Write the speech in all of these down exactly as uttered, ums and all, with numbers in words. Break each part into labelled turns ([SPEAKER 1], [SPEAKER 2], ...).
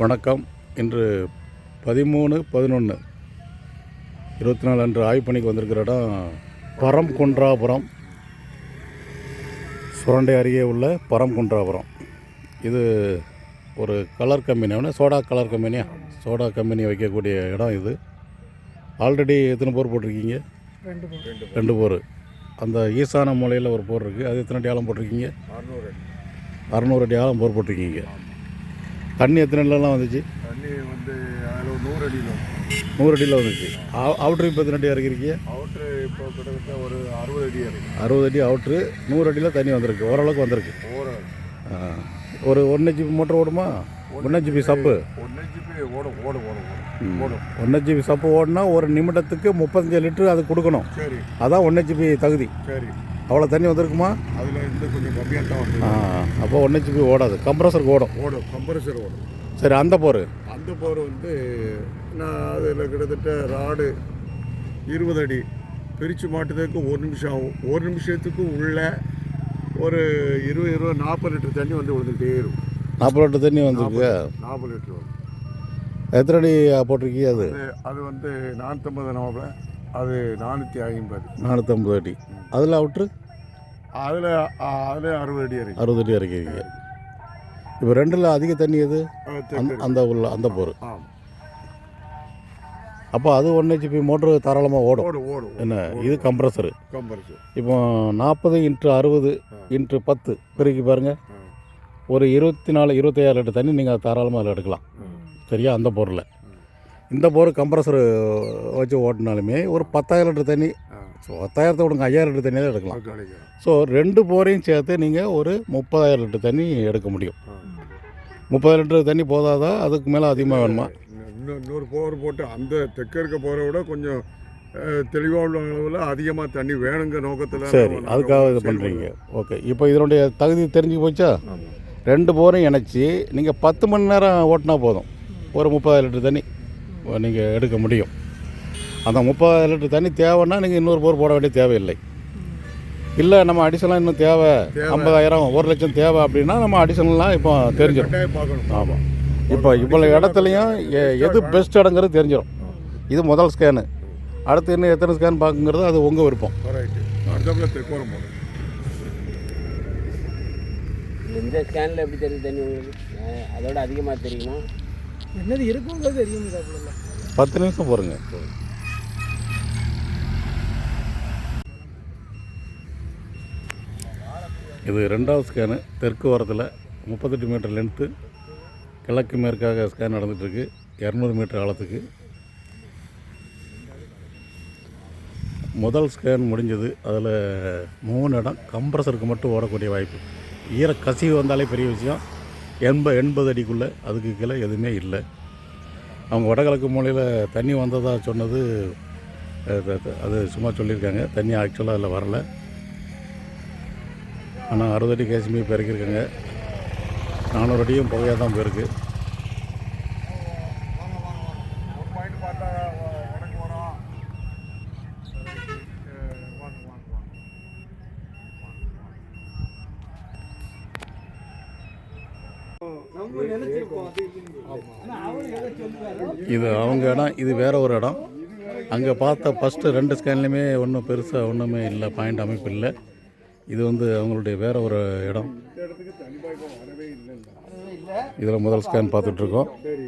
[SPEAKER 1] வணக்கம். இன்று பதிமூணு பதினொன்று இருபத்தி நாலு அன்று ஆய்வு பணிக்கு வந்திருக்கிற இடம் பரம்குன்றாபுரம், சுரண்டை அருகே உள்ள பரம்குன்றாபுரம். இது ஒரு கலர் கம்பெனி, சோடா கலர் கம்பெனியா சோடா கம்பெனி வைக்கக்கூடிய இடம் இது. ஆல்ரெடி எத்தனை போர் போட்டிருக்கீங்க?
[SPEAKER 2] ரெண்டு போர்
[SPEAKER 1] ரெண்டு போர். அந்த ஈசான மூலையில் ஒரு போர் இருக்குது, அது எத்தனை அடி ஆழம் போட்டிருக்கீங்க?
[SPEAKER 2] அறுநூறு அடி
[SPEAKER 1] அறுநூறு அடி ஆழம் போர் போட்டிருக்கீங்க. தண்ணி எத்தனை அடிலாம் வந்துச்சு?
[SPEAKER 2] தண்ணி வந்து அதில் நூறு அடியில்
[SPEAKER 1] நூறு அடியில் வந்துச்சு. அவுட்ரு இப்போ எத்தனை அடி இறக்கிருக்கீங்க?
[SPEAKER 2] அவுட்ரு இப்போ கிட்டத்தட்ட ஒரு அறுபது அடி இறக்கி
[SPEAKER 1] அறுபது அடி அவுட்ரு, நூறு அடியில் தண்ணி வந்திருக்கு, ஓரளவுக்கு வந்திருக்கு. ஒரு ஒன்று ஜிபி மோட்டர் ஓடுமா? ஒன்று ஜிபி சப்பு
[SPEAKER 2] ஒன்று ஜிபி ஓடும் ஓடும் ஓடும் ஓடும்
[SPEAKER 1] ஒன்று ஜிபி சப்பு ஓடுனா ஒரு நிமிடத்துக்கு முப்பத்தஞ்சு லிட்டரு அது கொடுக்கணும்.
[SPEAKER 2] சரி,
[SPEAKER 1] அதான் ஒன்று ஜிபி தகுதி.
[SPEAKER 2] சரி,
[SPEAKER 1] அவ்வளோ தண்ணி வந்திருக்குமா?
[SPEAKER 2] அதில் இருந்து கொஞ்சம் கம்மியாக தான் வந்து.
[SPEAKER 1] அப்போ ஒன்று ஜிபி ஓடாது, கம்ப்ரஸருக்கு ஓடும்.
[SPEAKER 2] ஓடும் கம்ப்ரஸர் ஓடும்.
[SPEAKER 1] சரி, அந்த போர்
[SPEAKER 2] அந்த போர் வந்து நான் அதில் கிட்டத்தட்ட ராடு இருபது அடி பிரித்து மாட்டுறதுக்கு ஒரு நிமிஷம் ஆகும். ஒரு நிமிஷத்துக்கு உள்ள ஒரு இருபது இருபது நாற்பது லிட்டர் தண்ணி வந்து விழுந்துகிட்டே இருக்கும்.
[SPEAKER 1] நாற்பது லிட்டர் தண்ணி வந்துருக்கு.
[SPEAKER 2] நாற்பது லிட்டர் வரும்.
[SPEAKER 1] எத்தனை அடி போட்டிருக்கீங்க? அது
[SPEAKER 2] அது வந்து நானூற்றம்பது நாவல அது நானூற்றி ஐம்பது
[SPEAKER 1] நானூற்றம்பது அடி. அதில் அவுட்ரு
[SPEAKER 2] அதில் அதில் அறுபது அடி இறக்கி
[SPEAKER 1] அறுபது அடி இறக்கிங்க. இப்போ ரெண்டில் அதிக தண்ணி எது? அந்த உள்ள அந்த போர். அப்போ அது ஒன் ஹெச்பி மோட்ரு தாராளமாக ஓடும்.
[SPEAKER 2] ஓடும்
[SPEAKER 1] என்ன, இது கம்ப்ரஸரு.
[SPEAKER 2] கம்ப்ரஸர் இப்போ
[SPEAKER 1] நாற்பது இன்ட்டு அறுபது இன்ட்டு பத்து பெருக்கி பாருங்கள், ஒரு இருபத்தி நாலு இருபத்தையாயிரம் லிட்டர் தண்ணி நீங்கள் தாராளமாக அதில் எடுக்கலாம். சரியா? அந்த போரில் இந்த போர் கம்ப்ரஸர் வச்சு ஓட்டினாலுமே ஒரு பத்தாயிரம் லிட்டர் தண்ணி, ஸோ பத்தாயிரத்தை விடுங்க, ஐயாயிரம் லிட்டர் தண்ணி தான் எடுக்கலாம். ஸோ ரெண்டு போரையும் சேர்த்து நீங்கள் ஒரு முப்பதாயிரம் லிட்டர் தண்ணி எடுக்க முடியும். முப்பதாயிரம் லிட்டர் தண்ணி போதாதா? அதுக்கு மேலே அதிகமாக வேணுமா?
[SPEAKER 2] இன்னும் இன்னொரு போர் போட்டு அந்த தெற்க இருக்க போரை விட கொஞ்சம் தெளிவாக உள்ள அளவில் அதிகமாக தண்ணி வேணுங்க நோக்கத்தில்.
[SPEAKER 1] சரி, அதுக்காக இது பண்ணுறீங்க. ஓகே, இப்போ இதனுடைய தகுதி தெரிஞ்சு போச்சா? ரெண்டு போரையும் இணைச்சி நீங்கள் பத்து மணி நேரம் ஓட்டினா போதும், ஒரு முப்பதாயிரம் லிட்டர் தண்ணி நீங்கள் எடுக்க முடியும். அந்த முப்பதாயிரம் லிட்டர் தண்ணி தேவைன்னா நீங்கள் இன்னொரு போர் போட வேண்டிய தேவையில்லை. இல்லை நம்ம அடிஷனலாக இன்னும் தேவை, ஐம்பதாயிரம் ஒரு லட்சம் தேவை அப்படின்னா நம்ம அடிஷனலாக இப்போ தெரிஞ்சிடும். ஆமாம், இப்போ இவ்வளோ இடத்துலையும் எது பெஸ்ட் இடங்கிறது தெரிஞ்சிடும். இது முதல் ஸ்கேனு. அடுத்து இன்னும் எத்தனை ஸ்கேன் பார்க்குங்கிறது அது உங்கள் விருப்பம்.
[SPEAKER 3] இந்த ஸ்கேனில் எப்படி தெரியுது தண்ணி உங்களுக்கு? அதோட அதிகமாக தெரியுமா? என்னது இருக்குங்கிறது தெரியும்.
[SPEAKER 1] பத்து நிமிஷம் போகிறேங்க. இது ரெண்டாவது ஸ்கேனு. தெற்கு ஓரத்தில் முப்பத்தெட்டு மீட்டர் லென்த்து, கிழக்கு மேற்காக ஸ்கேன் நடந்துகிட்ருக்கு. இரநூறு மீட்டர் ஆழத்துக்கு முதல் ஸ்கேன் முடிஞ்சது. அதில் மூணு இடம் கம்ப்ரஸருக்கு மட்டும் ஓடக்கூடிய வாய்ப்பு. ஈர கசிவு வந்தாலே பெரிய விஷயம். எண்பது எண்பது அடிக்குள்ளே, அதுக்கு கீழே எதுவுமே இல்லை. அவங்க வடகிழக்கு மூலையில் தண்ணி வந்ததாக சொன்னது அது சும்மா சொல்லியிருக்காங்க. தண்ணி ஆக்சுவலாக அதில் வரலை. ஆனால் அறுபது அடி கேசிமி இப்போ இறக்கியிருக்காங்க. நானூறு அடியும் புகையாக தான் போயிருக்கு. இது அவங்க இடம், இது வேற ஒரு இடம். அங்கே பார்த்த ஃபஸ்ட்டு ரெண்டு ஸ்கேன்லையுமே ஒன்றும் பெருசாக ஒன்றுமே இல்லை, பாயிண்ட் அமைப்பு இல்லை. இது வந்து அவங்களுடைய வேற ஒரு இடம். இதில் முதல் ஸ்கேன் பார்த்துட்ருக்கோம்.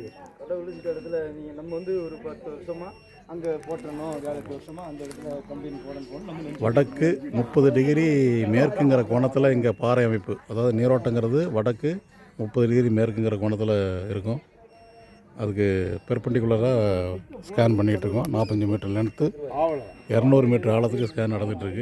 [SPEAKER 4] நம்ம வந்து ஒரு பத்து வருஷமாக அங்கே போட்டணும், வேலை வருஷமாக அந்த இடத்துல கம்பெனி போடணும்.
[SPEAKER 1] வடக்கு முப்பது டிகிரி மேற்குங்கிற கோணத்தில் இங்கே பாறை அமைப்பு, அதாவது நீரோட்டங்கிறது வடக்கு முப்பது டிகிரி மேற்குங்கிற கோணத்தில் இருக்கும். அதுக்கு பெர்பெண்டிகுலராக ஸ்கேன் பண்ணிகிட்ருக்கோம். நாற்பத்தஞ்சு மீட்டர் லென்த்து, இரநூறு மீட்டர் ஆழத்துக்கு ஸ்கேன் நடந்துகிட்ருக்கு.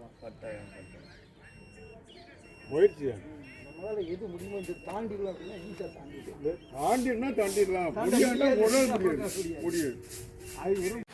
[SPEAKER 4] எது முடியுமோ தாண்டிடலாம் அப்படின்னா ஈஸியாக தாண்டிடலாம்.
[SPEAKER 2] தாண்டிடலாம் தாண்டிடலாம் முடியாது.